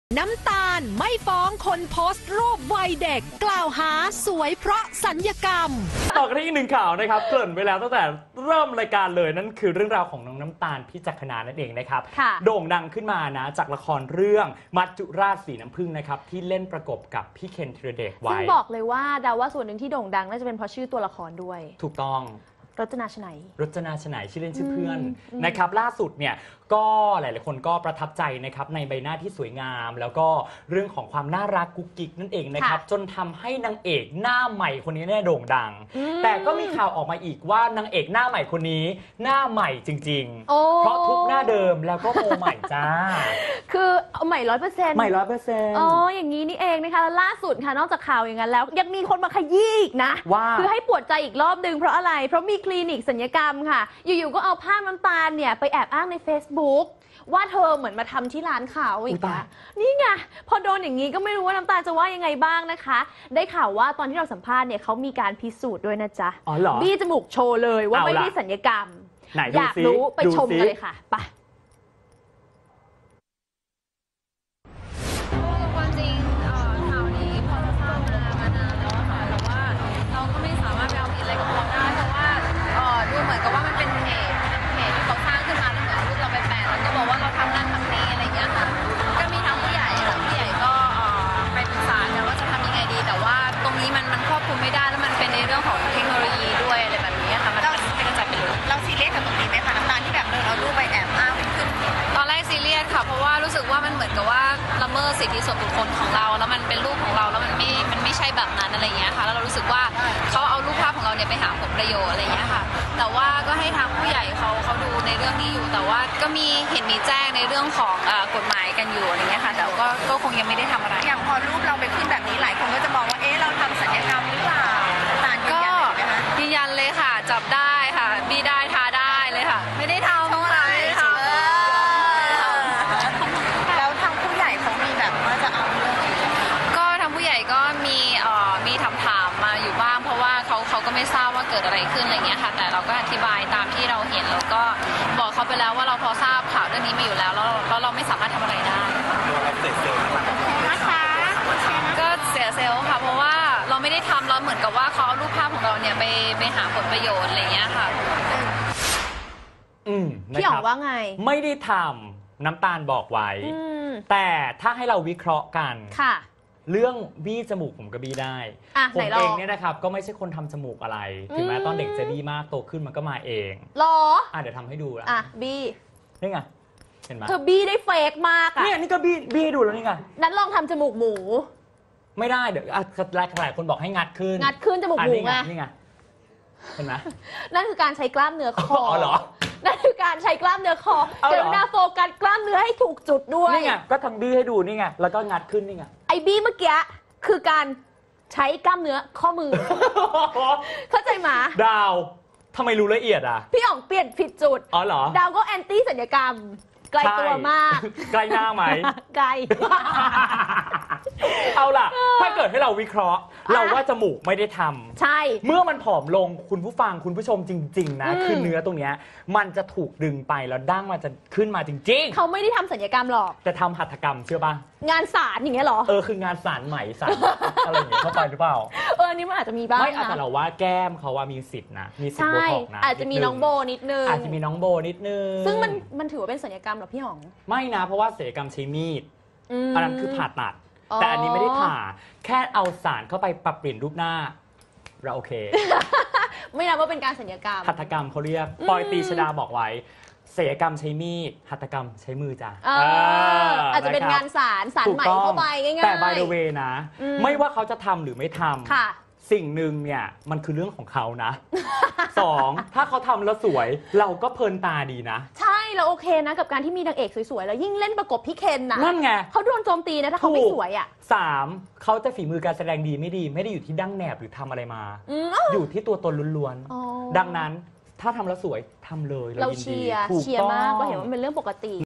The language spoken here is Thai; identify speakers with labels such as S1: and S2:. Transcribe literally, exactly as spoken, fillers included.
S1: น้ำตาลไม่ฟ้องคนโพสต์รูปวัยเด็กกล่าวหาสวยเพราะสัญญกรรม
S2: ต่อกันที่อีกหนึ่งข่าวนะครับเกริ่นไปแล้วตั้งแต่เริ่มรายการเลยนั่นคือเรื่องราวของน้องน้ำตาลพิจักขณานั่นเองนะครับโด่งดังขึ้นมานะจากละครเรื่องมัจจุราชสีน้ำผึ้งนะครับที่เล่นประกบกับพี่เคนธีรเดชไว้
S3: ซึ่งบอกเลยว่าดาว่าส่วนหนึ่งที่โด่งดังน่าจะเป็นเพราะชื่อตัวละครด้วย
S2: ถูกต้อง
S3: รจนาชนัย
S2: รจนาชนัยชื่อเล่นชื่อเพื่อนนะครับล่าสุดเนี่ยก็หลายๆคนก็ประทับใจนะครับในใบหน้าที่สวยงามแล้วก็เรื่องของความน่ารักกุ๊กกิ๊กนั่นเองนะครับจนทำให้นางเอกหน้าใหม่คนนี้เนี่ยโด่งดังแต่ก็มีข่าวออกมาอีกว่านางเอกหน้าใหม่คนนี้หน้าใหม่จริงๆเพราะทุกหน้าเดิมแล้วก็โมใหม่จ้า
S3: คือเอาใหม่ร้อยเปอร์เซ็นต์
S2: ใหม่ร้อยเปอร์เซ็นต์
S3: อ๋ออย่างนี้นี่เองนะคะล่าสุดค่ะนอกจากข่าวอย่างนั้นแล้วยังมีคนมาขยี้อีกนะ
S2: ว่า
S3: คือให้ปวดใจอีกรอบนึงเพราะอะไรเพราะมีคลินิกศัลยกรรมค่ะอยู่ๆก็เอาภาพน้ำตาลเนี่ยไปแอบอ้างใน Facebook ว่าเธอเหมือนมาทำที่ร้านเขาอีกนะนี่ไงพอโดนอย่างนี้ก็ไม่รู้ว่าน้ำตาลจะว่ายังไงบ้างนะคะได้ข่าวว่าตอนที่เราสัมภาษณ์เนี่ยเขามีการพิสูจน์ด้วยนะจ๊ะ
S2: อ๋อเหรอ
S3: บี้จมูกโชว์เลยว่าไม่ได้ศัลยกรรมอยากรู้ไปชมกันเลยค่ะไป
S4: ความจริงข่าวนี้พอจะทราบมามานานแล้วค่ะแต่ว่าเราก็ไม่สามารถไปเอาผิดอะไรกับเขาได้เพราะว่าดูเหมือนกับว่ามันเป็นเพจเพจที่เขาสร้างขึ้นมาแล้วเหมือนรูปเราไปแปะแล้วก็บอกว่าเราทำนั่นทำนี้อะไรเงี้ยค่ะก็มีทั้งผู้ใหญ่และผู้ใหญ่ก็ไปปรึกษากันว่าจะทำยังไงดีแต่ว่าตรงนี้มันมันควบคุมไม่ได้แล้วมันเป็นในเรื่องของเทคโนโลยีด้วยอะไรแบบนี้ค่ะมันไม่กระจายไปเลย
S5: เราซีเรียสกับตรงนี้ไหมคะน้ำตาลที่แบบเออเรารูปไปแอบอ้างขึ้น
S4: ตอนแรกซีเรียสค่ะเพราะว่ารู้สึกว่ามันเหมือนกับว่าละเมิดสิทธิส่วนบุคคลของเราแล้วมันเป็นรูปของเราแล้วมันไม่มันไม่ใช่แบบนั้นอะไรเงี้ยค่ะแล้วเรารู้สึกว่าเขาเอารูปภาพของเราเนี่ยไปหาผลประโยชน์อะไรเงี้ยค่ะแต่ว่าก็ให้ทางผู้ใหญ่เขาเขาดูในเรื่องนี้อยู่แต่ว่าก็มีเห็นมีแจ้งในเรื่องของกฎหมายกันอยู่อะไรเงี้ยค่ะแต่ก็ก็คงยังไม่ได้ทำอะไร
S5: อย่างพอรูปเราไปขึ้นแบบนี้หลายคนก็จะมองว่าเอ๊ะเราทำศัลยกรรมหรือเปล่าตาลยืนยันเลยไหมคะ
S4: ยืนยันเลยค่ะจับได้ค่ะบีได้ทาได้เลยค่ะไม่ได้ทำ
S5: ไม่ได้ทำแล้วทางผู้ใหญ่เขามีแบบว่าจะเอาเรื่อง
S4: ก็ทางผู้ใหญ่ก็มีเอ่อมีถามถามมาอยู่บ้างเพราะว่าเขาเขาก็ไม่ทราบว่าเกิดอะไรขึ้นอะไรเงี้ยค่ะแต่เราก็อธิบายตามที่เราเห็นแล้วก็บอกเขาไปแล้วว่าเราพอทราบข่าวเรื่องนี้มาอยู่แล้วแล้วเราเราไม่สามารถทำอะไรได้
S5: นะคะ
S4: ก็เสียเซลล์ค่ะเพราะว่าเราไม่ได้ทำเราเหมือนกับว่าเขาเอารูปภาพของเราเนี่ยไปไปหาผลประโยชน์อะไรเงี้ยค่ะ
S2: อืม
S3: พี่อ๋องว่าไง
S2: ไม่ได้ทำน้ำตาลบอกไว้แต่ถ้าให้เราวิเคราะห์กัน
S3: ค่ะ
S2: เรื่องบี้จมูกผมก็บี้ได้ผมเองเนี่ยนะครับก็ไม่ใช่คนทำจมูกอะไรถึงแม้ตอนเด็กจะบี้มากโตขึ้นมันก็มาเอง
S3: หรอ
S2: อ่ะเดี๋ยวทำให้ดู
S3: อ่ะบี้
S2: นี่ไงเห็นไหม
S3: เธอบี้ได้เฟกมากอ่ะ
S2: เนี่ยนี่ก็บี้บี้ให้ดูแล้วนี่ไง
S3: นั้นลองทำจมูกหมู
S2: ไม่ได้เดี๋ยวหลายหลายคนบอกให้งัดขึ้น
S3: งัดขึ้นจมูกหมูไง
S2: นี่ไงเห็นไหม
S3: นั่นคือการใช้กล้ามเนื้อคอ
S2: อ๋อเหรอ
S3: นั่นคือการใช้กล้ามเนื้อคอเดี๋ยวนาโฟกัสกล้ามเนื้อให้ถูกจุดด้วย
S2: นี่ไงก็ทำบี้ให้ดูนี่ไงแล้วก็งัดขึ้นนี่ไง
S3: ไอ้บี้เมื่อกี้คือการใช้กล้ามเนื้อข้อมือเข้าใจไหม
S2: ดาวทำไมรู้ละเอียดอ่ะ
S3: พี่อ๋องเปลี่ยนผิดจุด
S2: อ๋อเหรอ
S3: ดาวก็แอนตี้ศัลยกรรมไกลตัวมาก
S2: ไกลหน้าไหม
S3: ไกล
S2: เอาล่ะถ้าเกิดให้เราวิเคราะห์เราว่าจมูกไม่ได้ทำ
S3: ใช่
S2: เมื่อมันผอมลงคุณผู้ฟังคุณผู้ชมจริงๆนะคือเนื้อตรงนี้มันจะถูกดึงไปแล้วดั้งมันจะขึ้นมาจริงๆ
S3: เขาไม่ได้ทำศัลยกรรมหรอก
S2: แต่ทำหัตถกรรมเชื่อป่ะ
S3: งานสารอย่างเงี้ยหรอ
S2: เออคืองานสารไหมสารอะไรอย่างเงี้ยเข้าไปหรือเปล่า
S3: เออนี่มันอาจจะมีบ้าง
S2: ไม่แต่เราว่าแก้มเขาว่ามีสิทธิ์นะมีสิทธิ์โบท็อกนะ
S3: อาจจะมีน้องโบนิดนึง
S2: อาจจะมีน้องโบนิดนึง
S3: ซึ่งมันมันถือว่าเป็นศัลยกรรมหรอพี่อ๋อง
S2: ไม่นะเพราะว่าศัลยกรรมใช้มีดอันนั้นคือผ่าตัดแต่อันนี้ไม่ได้ผ่าแค่เอาสารเข้าไปปรับเปลี่ยนรูปหน้าเราโอเค
S3: ไม่นับว่าเป็นการศัลยกรรม
S2: หัตถกรรมเขาเรียกปอยตีชดาบอกไว้ศัลยกรรมใช้มีดหัตถกรรมใช้มือจ้ะ
S3: อาจจะเป็นงานสารสารใหม่เข้าไปง่ายๆ
S2: แต่ by the way นะไม่ว่าเขาจะทำหรือไม่ทำสิ่งหนึ่งเนี่ยมันคือเรื่องของเขานะสองถ้าเขาทำแล้วสวยเราก็เพลินตาดีนะ
S3: ใช่เราโอเคนะกับการที่มีนางเอกสวยๆแล้วยิ่งเล่นประกบพี่เคนนะ
S2: นั่นไง
S3: เขาโดนโจมตีนะถ้าเขาไม่สวยอ่ะ
S2: สามเขาจะฝีมือการแสดงดีไม่ดีไม่ได้อยู่ที่ดั้งแหนบหรือทำอะไรมาอยู่ที่ตัวตนล้วนๆดังนั้นถ้าทำแล้วสวยทำเลย
S3: เราเชียร์เชียร์มากก็เห็นว่าเป็นเรื่องปกติ